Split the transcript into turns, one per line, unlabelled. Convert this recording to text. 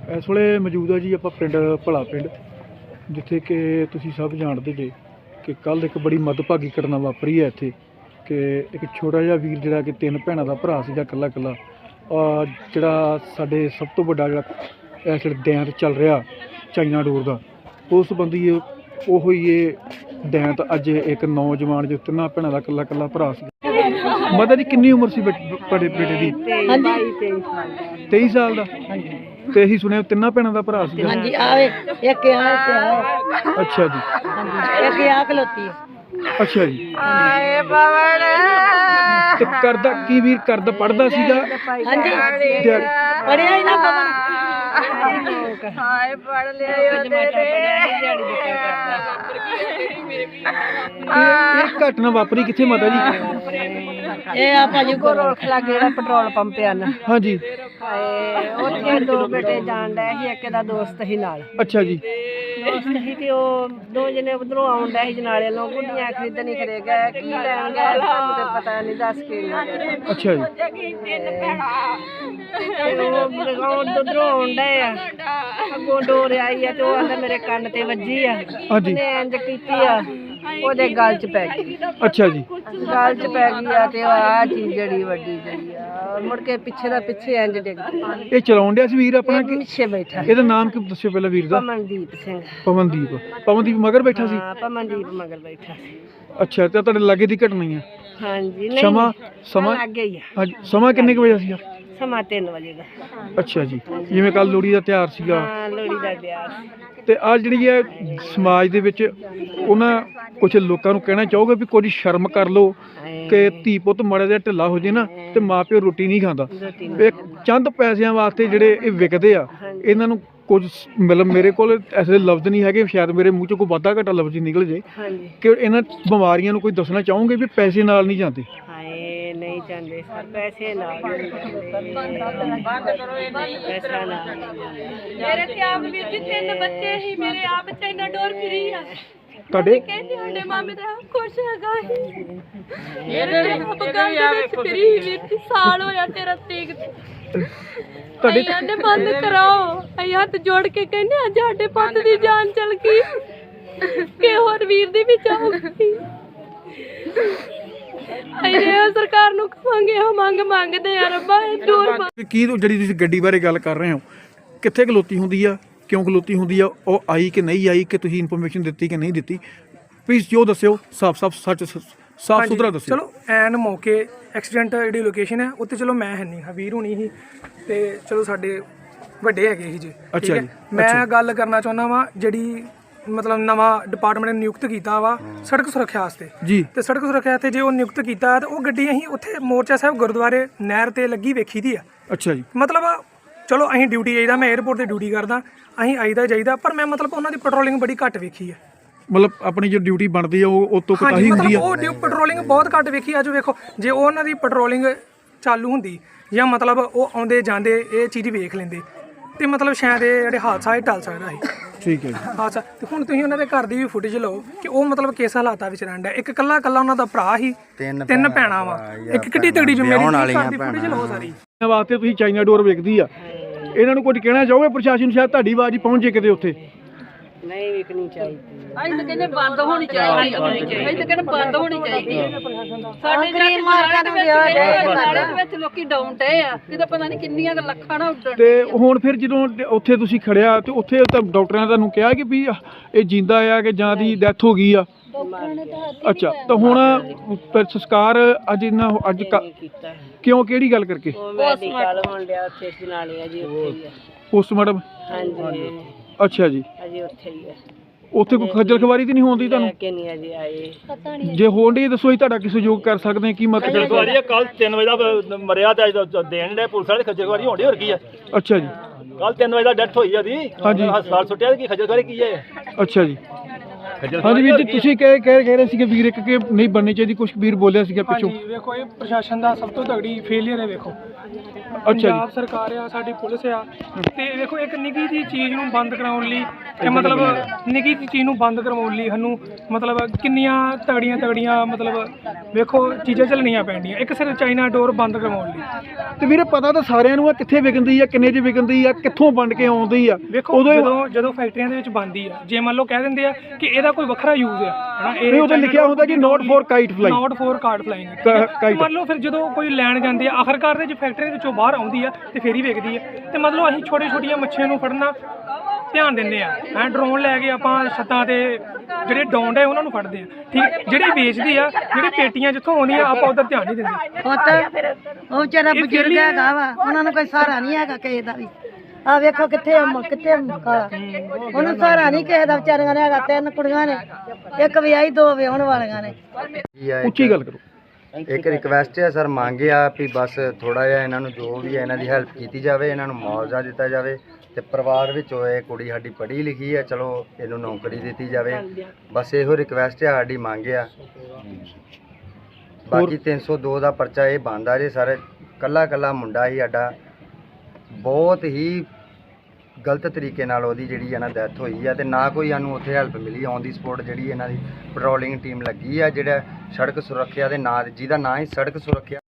इस वे मौजूद है जी आप पिंड भला पिंड जिथे कि तुसीं सब जानते जे कि कल एक बड़ी मदभागी घटना वापरी है इत्थे कि एक छोटा जिहा वीर जिहड़ा कि 3 भैणां दा भरा सीगा कल्ला कल्ला जिहड़ा साडे सब तो वड्डा जिहड़ा इस वेले दैंत चल रहा चाइना डोर का उस संबंधी ओहो ही ये दैंत अज एक नौजवान जो 3 भैणां दा कल्ला कल्ला भरा सी। मदर जी कितनी उम्र सी बड़े बेटे दी? 23 साल का। ते ही सुने 3 भैणां दा भरा सी।
हां जी आवे एक आ
अच्छा जी
एक आ खलोती है।
अच्छा जी ते करदा की वीर करदा पढ़दा सीगा?
हां जी पढ़िया ही ना पवन
हाय पढ़ लिया
ਇਹ ਘਟਨਾ ਵਾਪਰੀ ਕਿੱਥੇ ਮਾਤਾ ਜੀ?
ਇਹ ਆ ਭਾਜੀ
ਰੋਖ ਲੱਗੇ ਜਿਹੜਾ ਪੈਟਰੋਲ ਪੰਪ ਆ ਨਾ
ਹਾਂਜੀ
ਹਾਏ ਉੱਥੇ 2 ਬੇਟੇ ਜਾਣ ਡਏ ਸੀ ਇੱਕ ਦਾ ਦੋਸਤ ਸੀ ਨਾਲ
ਅੱਛਾ ਜੀ
ਦੋਸਤ ਸੀ ਤੇ ਉਹ 2 ਜਣੇ ਉਧਰੋਂ ਆਉਣ ਡਏ ਸੀ ਜਨਾਲੇ ਨੂੰ ਗੁੱਡੀਆਂ ਖਰੀਦਣੀ ਖਰੇ ਗਏ ਕੀ ਲੈਣ ਗਏ ਸਾਨੂੰ ਤੇ ਪਤਾ ਨਹੀਂ ਦੱਸ ਕੇ ਨਹੀਂ
ਅੱਛਾ ਜੀ
ਉਹ ਉਧਰੋਂ ਆਉਣ ਡਏ ਆ ਅੱਗੋਂ ਡੋਰ ਆਈ ਆ ਤੇ ਉਹ ਆਂਦਾ ਮੇਰੇ ਕੰਨ ਤੇ ਵੱਜੀ ਆ
ਹਾਂਜੀ
ਉਹਨੇ ਇੰਜ ਕੀਤੀ ਆ ਉਹਦੇ ਗਲ 'ਚ ਪੈ ਗਈ।
ਅੱਛਾ ਜੀ
ਗਲ 'ਚ ਪੈ ਗਈ ਆ ਤੇ ਆ ਚੀਜ਼ ਜਿਹੜੀ ਵੱਡੀ ਜਿਹੜੀ ਆ ਮੁੜ ਕੇ ਪਿੱਛੇ ਦਾ ਪਿੱਛੇ ਇੰਜ ਡਿੱਗ ਪਈ।
ਇਹ ਚਲਾਉਣ ਡਿਆ ਸੀ ਵੀਰ ਆਪਣਾ ਕਿ
ਪਿੱਛੇ ਬੈਠਾ
ਇਹਦਾ ਨਾਮ ਕੀ ਦੱਸਿਓ ਪਹਿਲਾਂ ਵੀਰ ਦਾ?
ਪਮਨਦੀਪ ਸਿੰਘ।
ਪਵਨਦੀਪ ਮਗਰ ਬੈਠਾ ਸੀ?
ਹਾਂ ਪਮਨਦੀਪ ਮਗਰ ਬੈਠਾ ਸੀ।
ਅੱਛਾ ਤੇ ਤੁਹਾਡੇ ਲਾਗੇ ਦੀ ਘਟਨਾ ਹੀ ਆ?
ਹਾਂਜੀ ਨਹੀਂ
ਸਮਾਂ
ਲੱਗ ਗਈ ਆ।
ਹਾਂਜੀ ਸਮਾਂ ਕਿੰਨੇ ਕੁ ਵਜੇ ਸੀਗਾ?
ਸਮਾਂ 3 ਵਜੇ ਦਾ।
ਅੱਛਾ ਜੀ ਜਿਵੇਂ ਕੱਲ ਲੋਹੜੀ ਦਾ ਤਿਉਹਾਰ ਸੀਗਾ
ਹਾਂ ਲੋਹੜੀ ਦਾ ਤਿਉਹਾਰ।
ਤੇ ਆ ਜਿਹੜੀ ਹੈ ਸਮਾਜ ਦੇ ਵਿੱਚ ਉਹਨਾਂ ਕੁਝ ਲੋਕਾਂ ਨੂੰ ਕਹਿਣਾ ਚਾਹੋਗੇ ਵੀ ਕੁਝ ਸ਼ਰਮ ਕਰ ਲਓ ਕਿ ਧੀ ਪੁੱਤ ਮਾੜਾ ਜਿਹਾ ਢਿੱਲਾ ਹੋ ਜੇ ਨਾ ਤੇ ਮਾਂ ਪਿਓ ਰੋਟੀ ਨਹੀਂ ਖਾਂਦਾ। ਇਹ ਚੰਦ ਪੈਸਿਆਂ ਵਾਸਤੇ ਜਿਹੜੇ ਇਹ ਵਿਕਦੇ ਆ ਇਹਨਾਂ ਨੂੰ ਕੁਝ ਮਤਲਬ ਮੇਰੇ ਕੋਲ ਐਸੇ ਲਫ਼ਜ਼ ਨਹੀਂ ਹੈਗੇ ਸ਼ਾਇਦ ਮੇਰੇ ਮੂੰਹ ਚੋਂ ਕੋਈ ਵਾਧਾ ਘਾਟਾ ਲਫ਼ਜ਼ ਨਿਕਲ ਜੇ ਕਿ ਇਹਨਾਂ ਬਿਮਾਰੀਆਂ ਨੂੰ ਕੋਈ ਦੱਸਣਾ ਚਾਹੋਗੇ ਵੀ ਪੈਸੇ ਨਾਲ ਨਹੀਂ ਜਾਂਦੇ?
ਹਾਏ ਨਹੀਂ ਜਾਂਦੇ ਸਰ ਪੈਸੇ ਨਾਲ ਨਹੀਂ ਜਾਂਦੇ ਪੈਸਾ ਨਾਲ ਨਹੀਂ ਜਾਂਦੇ।
ਮੇਰੇ ਤੇ ਆਪ ਵੀਰ ਜੀ 3 ਬੱਚੇ ਹੀ ਮੇਰੇ ਆਪ ਚਾਈਨਾ ਡੋਰ ਫਰੀ ਆ
ਤੁਹਾਡੇ
ਕਹਿੰਦੇ ਸਾਡੇ ਮਾਮੇ ਦਾ ਖੁਸ਼ ਹੈਗਾ ਮੇਰੇ ਤੇ ਆਪ ਗੱਲ ਦੇ ਵਿੱਚ ਫਰੀ ਵੀਰ ਜੀ ਸਾਲ ਹੋਇਆ ਤੇਰਾ ਤੀਕ
ਤੁਹਾਡੇ
ਕਹਿੰਦੇ ਬੰਦ ਕਰਾਓ ਅਸੀਂ ਹੱਥ ਜੋੜ ਕੇ ਕਹਿੰਦੇ ਅੱਜ ਸਾਡੇ ਪੁੱਤ ਦੀ ਜਾਨ ਚਲ ਗਈ ਕਿ ਹੋਰ ਵੀਰ ਦੀ ਵੀ ਜਾਊਗੀ। ਅਸੀਂ ਸਰਕਾਰ ਨੂੰ ਕਹਾਂਗੇ ਹਾਂ ਮੰਗਦੇ ਆ ਰੱਬਾ ਇਹ ਦੂਰ
ਕੀ ਜਿਹੜੀ ਤੁਸੀਂ ਗੱਡੀ ਬਾਰੇ ਗੱਲ ਕਰ ਰਹੇ ਹੋ ਕਿੱਥੇ ਖਲੋਤੀ ਹੁੰਦੀ ਆ ਕਿਉਂ ਖਲੋਤੀ ਹੁੰਦੀ ਆ ਉਹ ਆਈ ਕਿ ਨਹੀਂ ਆਈ ਕਿ ਤੁਸੀਂ ਇਨਫੋਰਮੇਸ਼ਨ ਦਿੱਤੀ ਕਿ ਨਹੀਂ ਦਿੱਤੀ ਪਲੀਜ਼ ਜੋ ਦੱਸਿਓ ਸਾਫ਼ ਸੱਚ ਸਾਫ਼ ਸੁਥਰਾ ਦੱਸਿਓ।
ਚਲੋ ਐਨ ਮੌਕੇ ਐਕਸੀਡੈਂਟ ਜਿਹੜੀ ਲੋਕੇਸ਼ਨ ਹੈ ਉੱਥੇ ਚਲੋ ਮੈਂ ਹੈ ਨਹੀਂ ਹਾਂ ਵੀਰ ਹੋਣੀ ਸੀ ਤੇ ਚਲੋ ਸਾਡੇ ਵੱਡੇ ਹੈਗੇ ਸੀ ਜੀ।
ਅੱਛਾ ਜੀ
ਮੈਂ ਗੱਲ ਕਰਨਾ ਚਾਹੁੰਦਾ ਵਾਂ ਜਿਹੜੀ ਮਤਲਬ ਨਵਾਂ ਡਿਪਾਰਟਮੈਂਟ ਨੇ ਨਿਯੁਕਤ ਕੀਤਾ ਵਾ ਸੜਕ ਸੁਰੱਖਿਆ ਵਾਸਤੇ
ਜੀ
ਤੇ ਸੜਕ ਸੁਰੱਖਿਆ ਤੇ ਜੇ ਉਹ ਨਿਯੁਕਤ ਕੀਤਾ ਤੇ ਉਹ ਗੱਡੀ ਅਸੀਂ ਉੱਥੇ ਮੋਰਚਾ ਸਾਹਿਬ ਗੁਰਦੁਆਰੇ ਨਹਿਰ ਤੇ ਲੱਗੀ ਵੇਖੀ ਦੀ ਆ।
ਅੱਛਾ ਜੀ
ਮਤਲਬ ਚਲੋ ਅਸੀਂ ਡਿਊਟੀ ਜਾਈਦਾ ਮੈਂ 에ਅਰਪੋਰਟ ਤੇ ਡਿਊਟੀ ਕਰਦਾ ਅਸੀਂ ਆਈਦਾ ਜਾਈਦਾ ਪਰ ਮੈਂ ਮਤਲਬ ਉਹਨਾਂ ਦੀ ਪੈਟਰੋਲਿੰਗ ਬੜੀ ਘੱਟ ਵੇਖੀ ਹੈ।
ਮਤਲਬ ਆਪਣੀ ਜੋ ਡਿਊਟੀ ਬਣਦੀ ਆ ਉਹ ਤੋਂ ਕੋਤਾਹੀ ਹੁੰਦੀ ਆ?
ਉਹ ਪੈਟਰੋਲਿੰਗ ਬਹੁਤ ਘੱਟ ਵੇਖੀ ਆ। ਜੋ ਵੇਖੋ ਜੇ ਉਹਨਾਂ ਦੀ ਪੈਟਰੋਲਿੰਗ ਚਾਲੂ ਹੁੰਦੀ ਜਾਂ ਮਤਲਬ ਉਹ ਆਉਂਦੇ ਜਾਂਦੇ ਇਹ ਚੀਜ਼ ਵੇਖ ਲੈਂਦੇ ਤੇ ਮਤਲਬ ਸ਼ਾਇਦ ਇਹ ਜਿਹੜੇ ਹਾਦਸਾ ਇਹ ਟਲ ਸਕਦਾ ਸੀ।
ਠੀਕ ਹੈ ਜੀ
ਹਾਦਸਾ ਤੇ ਹੁਣ ਤੁਸੀਂ ਉਹਨਾਂ ਦੇ ਘਰ ਦੀ ਵੀ ਫੁਟੇਜ ਲਓ ਕਿ ਉਹ ਮਤਲਬ ਕਿਸ ਹਾਲਾਤਾਂ ਵਿੱਚ ਰਹਿੰਦਾ। ਇੱਕ ਕੱਲਾ ਉਹਨਾਂ ਦਾ ਭਰਾ ਸੀ 3 ਭੈਣਾਂ ਵਾ ਇੱਕ ਕਿੱਡੀ ਤਗੜੀ ਜ਼ਿੰਮੇਵਾਰੀ ਘਰ ਦੀ ਫੁਟੇਜ ਲਓ ਸਾਰੀ।
ਵਾਸਤੇ ਤੁਸੀਂ ਚਾਈਨਾ ਡੋਰ ਵੇਖਦੀ ਆ ਇਹਨਾਂ ਨੂੰ ਕੁਝ ਕਹਿਣਾ ਚਾਹੋਗੇ ਪ੍ਰਸ਼ਾਸਨ ਨੂੰ ਸ਼ਾਇਦ ਤੁਹਾਡੀ ਆਵਾਜ਼ ਹੀ ਪਹੁੰਚੇ ਕਿਤੇ ਉੱਥੇ?
ਨਹੀਂ ਵਿਕਣੀ ਚਾਹੀਦੀ
ਅਸੀਂ ਤਾਂ ਕਹਿੰਦੇ ਬੰਦ ਹੋਣੀ ਚਾਹੀਦੀ ਅਸੀਂ ਤਾਂ ਕਹਿੰਦੇ ਬੰਦ ਹੋਣੀ ਚਾਹੀਦੀ ਸਾਡੇ
ਗਰੀਬ ਮਾਲਕਾਂ ਨੂੰ ਵਿਆਹ
ਨਾਲੇ ਦੇ ਵਿੱਚ ਲੋਕੀ ਡਾਊਨ ਟਏ ਆ ਕਿਤੇ ਪਤਾ ਨਹੀਂ ਕਿੰਨੀਆਂ ਕੁ ਲੱਖਾਂ ਨਾ ਉੱਡਣ।
ਤੇ ਹੁਣ ਫਿਰ ਜਦੋਂ ਉੱਥੇ ਤੁਸੀਂ ਖੜਿਆ ਤੇ ਉੱਥੇ ਤਾਂ ਡਾਕਟਰਾਂ ਨੇ ਤੁਹਾਨੂੰ ਕਿਹਾ ਕਿ ਵੀ ਇਹ ਜਿੰਦਾ ਆ ਕਿ ਜਾਂ ਦੀ ਡੈਥ ਹੋ ਗਈ ਆ? ਅੱਛਾ ਤਾਂ ਹੁਣ ਫਿਰ ਸੰਸਕਾਰ ਅੱਜ ਇਹਨਾਂ ਅੱਜ
ਕੀਤਾ
ਕਿਉਂ ਕਿਹੜੀ ਗੱਲ ਕਰਕੇ?
ਉਹ ਮੈਡੀਕਲ ਹੋਣ ਡਿਆ ਉੱਥੇ ਜਨਾਲੇ ਆ ਜੀ ਉੱਥੇ ਹੀ ਆ।
ਪੋਸਟਮਾਰਟਮ?
ਹਾਂਜੀ
ਅੱਛਾ ਜੀ
ਅਜੇ ਉੱਥੇ ਹੀ ਆ।
ਉੱਥੇ ਕੋਈ ਖੱਜਲ ਖਵਾਰੀ ਤਾਂ ਨਹੀਂ ਹੁੰਦੀ ਤੁਹਾਨੂੰ?
ਕਿ ਨਹੀਂ ਅਜੇ ਆਏ
ਜੇ ਹੋਣ ਦੀ ਦੱਸੋ ਅਸੀਂ ਤੁਹਾਡਾ ਕੀ ਸਹਿਯੋਗ ਕਰ ਸਕਦੇ ਹਾਂ? ਕੀ ਮਤਲਬ?
ਕੱਲ 3 ਵਜੇ ਦਾ ਮਰਿਆ ਤੇ ਅੱਜ ਦੇਣ ਦੇ ਪੁਲਿਸ ਵਾਲੇ ਖੱਜਲ ਖਵਾਰੀ ਹੋਣੀ ਹੋਰ ਕੀ ਆ?
ਅੱਛਾ ਜੀ
ਕੱਲ 3 ਵਜੇ ਦਾ ਡੈਥ ਹੋਈ ਆ ਦੀ
ਹਾਂਜੀ
ਹਸਪਤਾਲ ਸੁੱਟਿਆ ਕੀ ਖੱਜਲ ਖਵਾਰੀ ਕੀ ਹੈ?
ਅੱਛਾ ਜੀ ਹਾਂਜੀ ਵੀਰ ਜੀ ਤੁਸੀਂ ਕਹਿ ਰਹੇ ਸੀ ਕਿ ਵੀਰ ਇੱਕ ਕਿ ਨਹੀਂ ਬਣਨੀ ਚਾਹੀਦੀ ਕੁਝ ਵੀਰ ਬੋਲਿਆ ਸੀਗਾ ਪਿੱਛੋਂ।
ਵੇਖੋ ਇਹ ਪ੍ਰਸ਼ਾਸਨ ਦਾ ਸਭ ਤੋਂ ਤਗੜੀ ਫੇਲੀਅਰ ਹੈ। ਵੇਖੋ ਪੰਜਾਬ ਸਰਕਾਰ ਆ, ਸਾਡੀ ਪੁਲਿਸ ਆ, ਤੇ ਵੇਖੋ ਇੱਕ ਨਿੱਕੀ ਜਿਹੀ ਚੀਜ਼ ਨੂੰ ਬੰਦ ਕਰਾਉਣ ਲਈ ਤੇ ਮਤਲਬ ਨਿੱਕੀ ਜਿਹੀ ਚੀਜ਼ ਨੂੰ ਬੰਦ ਕਰਵਾਉਣ ਲਈ ਸਾਨੂੰ ਮਤਲਬ ਕਿੰਨੀਆਂ ਤਗੜੀਆਂ ਮਤਲਬ ਵੇਖੋ ਚੀਜ਼ਾਂ ਚੱਲਣੀਆਂ ਪੈਂਦੀਆਂ, ਇੱਕ ਸਿਰ ਚਾਈਨਾ ਡੋਰ ਬੰਦ ਕਰਵਾਉਣ ਲਈ।
ਤੇ ਵੀਰੇ ਪਤਾ ਤਾਂ ਸਾਰਿਆਂ ਨੂੰ ਆ ਕਿੱਥੇ ਵਿਕਦੀ ਆ, ਕਿੰਨੇ 'ਚ ਵਿਕਦੀ ਆ, ਕਿੱਥੋਂ ਵੰਡ ਕੇ ਆਉਂਦੀ ਆ।
ਵੇਖੋ ਜਦੋਂ ਫੈਕਟਰੀਆਂ ਦੇ ਵਿੱਚ ਬਣਦੀ ਆ, ਜੇ ਮੰਨ ਲਓ ਕਹਿ ਦਿੰਦੇ ਆ ਕਿ ਇਹਦਾ ਕੋਈ ਵੱਖਰਾ ਯੂਜ਼ ਆ ਹਨਾ,
ਇਹ ਉਹਦੇ ਲਿਖਿਆ ਹੁੰਦਾ ਕਿ not for kite fly,
not for card flying. ਮੰਨ ਲਓ ਫਿਰ ਜਦੋਂ ਕੋਈ ਲੈਣ ਜਾਂਦੇ ਆ, ਆਖਰਕਾਰ ਦੇ ਜੇ ਫੈਕਟਰੀ ਵਿੱਚੋਂ ਬਾਹਰ ਆਉਂਦੀ ਆ ਤੇ ਫੇਰ ਹੀ ਵਿਕਦੀ ਆ। ਤੇ ਮਤਲਬ ਅਸੀਂ ਛੋਟੀਆਂ ਮੱਛੀਆਂ ਨੂੰ ਫੜਨਾ ਧਿਆਨ ਦਿੰਦੇ ਆ, ਡਰੋਨ ਲੈ ਕੇ ਆਪਾਂ ਛੱਤਾਂ ਤੇ ਜਿਹੜੇ ਡੌਂਡ ਹੈ ਉਹਨਾਂ ਨੂੰ ਫੜਦੇ ਆ, ਠੀਕ। ਜਿਹੜੀ ਵੇਚਦੀ ਆ, ਜਿਹੜੀ ਪੇਟੀਆਂ ਜਿੱਥੋਂ ਆਉਂਦੀਆਂ ਆਪਾਂ ਉਧਰ ਧਿਆਨ ਨਹੀਂ ਦਿੰਦੇ।
ਉਹ ਵਿਚਾਰਾ ਬਜ਼ੁਰਗ ਹੈਗਾ ਵਾ, ਉਹਨਾਂ ਨੂੰ ਕੋਈ ਸਹਾਰਾ ਨਹੀਂ ਹੈਗਾ ਕਿਸੇ ਦਾ ਵੀ। ਆ ਵੇਖੋ ਕਿੱਥੇ ਕਾਲਾ, ਉਹਨੂੰ ਸਹਾਰਾ ਨਹੀਂ ਕਿਸੇ ਦਾ ਵਿਚਾਰੀਆਂ ਨੇ ਹੈਗਾ। 3 ਕੁੜੀਆਂ ਨੇ, ਇੱਕ ਵਿਆਹੀ 2 ਵਿਆਹਣ ਵਾਲੀਆਂ ਨੇ।
ਉੱਚੀ ਗੱਲ ਕਰੋ।
ਇੱਕ ਰਿਕਵੈਸਟ ਹੈ ਸਰ, ਮੰਗਿਆ ਵੀ ਬਸ ਥੋੜਾ ਜਿਹਾ ਇਹਨਾਂ ਨੂੰ ਜੋ ਵੀ ਹੈ ਇਹਨਾਂ ਦੀ ਹੈਲਪ ਕੀਤੀ ਜਾਵੇ, ਇਹਨਾਂ ਨੂੰ ਮੁਆਵਜ਼ਾ ਦਿੱਤਾ ਜਾਵੇ। ਤੇ ਪਰਿਵਾਰ ਵਿੱਚ ਹੋਏ ਕੁੜੀ ਸਾਡੀ ਪੜ੍ਹੀ ਲਿਖੀ ਹੈ, ਚਲੋ ਇਹਨੂੰ ਨੌਕਰੀ ਦਿੱਤੀ ਜਾਵੇ, ਬਸ ਇਹੋ ਰਿਕਵੈਸਟ ਹੈ ਸਾਡੀ, ਮੰਗ ਆ। ਬਾਕੀ 302 ਦਾ ਪਰਚਾ ਇਹ ਬਣਦਾ ਜੇ ਸਰ, ਕੱਲਾ ਮੁੰਡਾ ਹੀ ਸਾਡਾ, ਬਹੁਤ ਹੀ ਗਲਤ ਤਰੀਕੇ ਨਾਲ ਉਹਦੀ ਜਿਹੜੀ ਹੈ ਨਾ ਡੈਥ ਹੋਈ ਆ, ਤੇ ਨਾ ਕੋਈ ਸਾਨੂੰ ਉੱਥੇ ਹੈਲਪ ਮਿਲੀ ਔਨ ਦੀ ਸਪੋਟ। ਜਿਹੜੀ ਇਹਨਾਂ ਦੀ ਪੈਟਰੋਲਿੰਗ ਟੀਮ ਲੱਗੀ ਆ, ਜਿਹੜਾ ਸੜਕ ਸੁਰੱਖਿਆ ਦੇ ਨਾਂ, ਜਿਹਦਾ ਨਾਂ ਹੀ ਸੜਕ ਸੁਰੱਖਿਆ